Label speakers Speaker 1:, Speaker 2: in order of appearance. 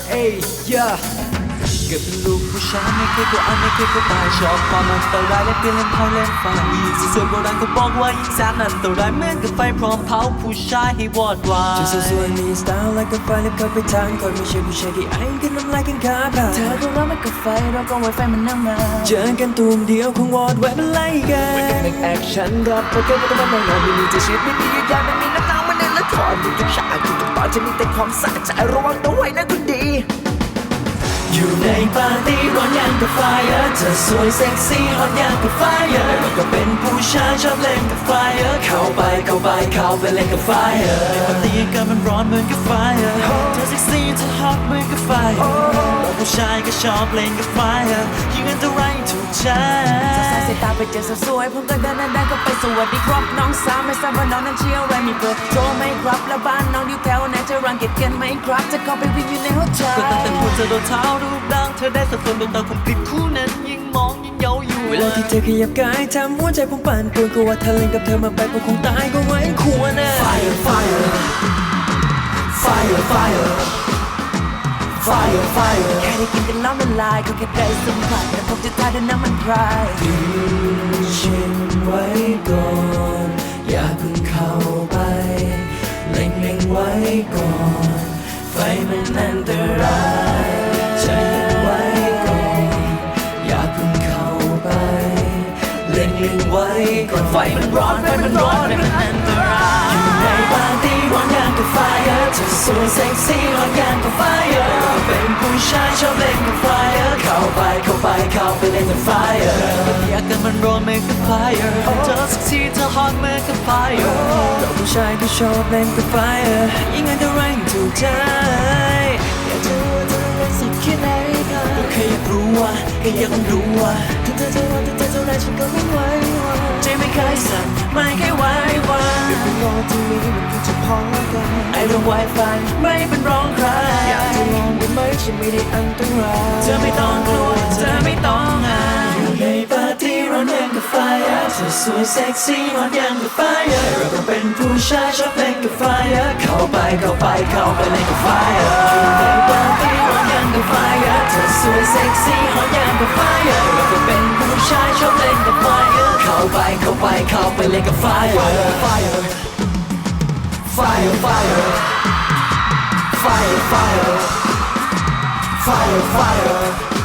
Speaker 1: เอ้ยเกิดเป็นลูกผู้ชายไม่เคยกลัวไม่เคยกลัวตายชอบความอันตรายและเปลี่ยนเล่นไพ่เล่นไฟยิ่งสวยโบราณก็บอกว่ายิ่งแสนอันตรายเหมือนกับไฟพร้อมเผาผู้ชายให้วอดวาย
Speaker 2: จะสวยมีสไตล์และกับไฟและเข้าไปทางคนไม่ใช่ผู้ชายที่ไอ้กันน้ำลายกันขาดเธอก็ร้อนไม่กับไฟเราก็ไวไฟมันนำมาเจอกันตูมเดียวคงวอดแวะเป็นไรกันไม่กันในแอคชั่นรับเพราะเกิดมาต้องนอนไม่มีจะชีวิตไม่มียืดยาวไม่มีน้ำหนักมันแน่นและถอนทุกฉากทุกตอนจะมีแต่ความสะใจระวังตัวไว้นะคนดีอยู่ในปาร์ตี้ร้อนยังกับไฟเธอสวยเซ็กซี่ฮอตยังกับไฟเราก็เป็นผู้ชายชอบเล่นกับไฟเข้าไปเล่นกับไฟ
Speaker 1: ในปาร์ตี้กันมันร้อนเหมือนกับไฟเธอเซ็กซี่เธอฮอตเหมือนกับไฟเราผู้ชายก็ชอบเล่นกับไฟยิ่งอันตรายถูกใจ
Speaker 2: สายตาไปเจอสวยผมก็เดินก็ไปสวัสดีครับน้องสาวไม่ทราบว่าน้องนั้นเชี่ยวอะไรมีเบอร์โทรไหมครับแล้วบ้านน้องอยู่แถวไหนจะรังเกียจกันไหมครับจะเข้าไปวิ่งอยู่ในหัวใจ
Speaker 1: ก็ตั้งแต่หัวจะโดนเท้ารูปร่างเธอได้สัดส่วนดวงตาคมกริบคู่นั้นยิ่งมองยิ่งเย้าอยู่
Speaker 2: เวลาที่เธอขยับกายทำหัวใจผมปั่นป่วนกลัวถ้าเล่นกับเธอมาไปผมคงตายก็ไว้ควรนะ
Speaker 1: Fire
Speaker 2: แค่ได้กินกันน้ำมันลายก็แค่ได้สัมผัสแต่ผมจะทายด้วยน้ำมันพรายดึงฉันไว้ก่อนอย่าเพิ่งเข้าไปเล็งไว้ก่อนไฟมันอันตรายใจไว้ก่อนอย่าเพิ่งเข้าไปเล็งไว้ก่อนไฟมันร้อนไฟมันอันตรายอยู่ในปาร์ตี้ร้อนอย่างกับไฟเธอสวยเซ็กซี่ร้อนอย่างกับไฟเป็นผู้ชายชอบเล่นกับไฟเข้าไปเล่นกับไฟ
Speaker 1: อยากกันมันร้อนเหมือนกับไฟเธอเซ็กซี่เธอฮอตเหมือนกับไฟ
Speaker 2: เราผู้ชายก็ชอบเล่นกับไฟยิ่งอันตรายถูกใจอยากจะรู้ว่าเธอเล่นสักแค่ไหนกัน
Speaker 1: ก็แค่อยากรู้ว่า
Speaker 2: ถ้าเธอจะว่าเท่าไรฉันก็ไม่ไหว
Speaker 1: ใจไม่เคยสั่นไม่เคยไหว
Speaker 2: เดี๋ยวไปรอที่นี้มันคงจะพอกัน
Speaker 1: ไอ้เรื่องไวไฟไม่เป็นร้องใคร
Speaker 2: อยากจะลองได้ไหมฉันไม่ได้อันตราย
Speaker 1: เธอไม่ต้องกลัวเธอไม่ต้องอาย
Speaker 2: อยู่ในปาร์ตี้ร้อนยังกับไฟเธอสวยเซ็กซี่ร้อนยังกับไฟเราก็เป็นผู้ชายชอบเล่นกับไฟเข้าไปเล่นกับไฟอยู่ในปาร์ตี้ร้อนยังกับไฟเธอสวยเซ็กซี่ร้อนยังกับไฟเราก็เป็นผู้ชายชอบเล่นกับไฟเข้าไปเล่นกับไฟ
Speaker 1: Fire